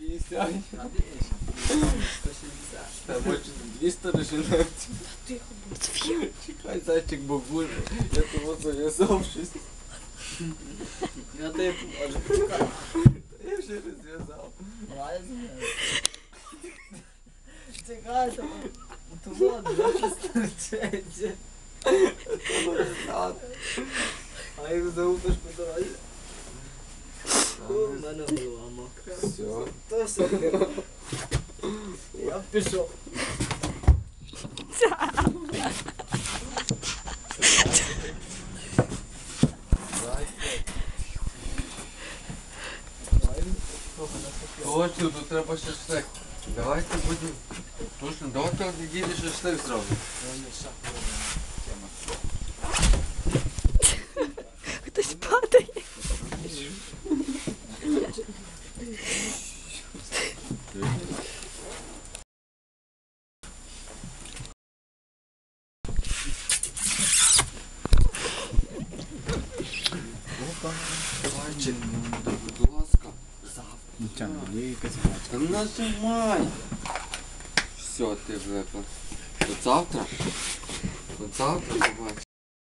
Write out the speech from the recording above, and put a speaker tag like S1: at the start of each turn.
S1: 250.
S2: А більше. 160.
S1: Та може 200 дожинати.
S3: Тихо, Софія.
S1: Чекай, зайчик бабуль. Я того зав'язав щось.
S2: Я тебе поможу, почекай.
S1: Я вже розв'язав.
S2: Давай я зміню. Чекай, то воду, я стерчеться. А як заупиш по дорозі? У мене голова мокра.
S1: Все.
S2: То все. Я пішов.
S1: Точно, тут треба шашлик. Давайте будемо. Точно, давайте їдеш шашлик зробимо.
S3: Хтось падає.
S1: Зайчик, будь ласка.
S4: Нічого, є якась гачка.
S1: Та нажимай. Все, ти влепив. От завтра побачиш.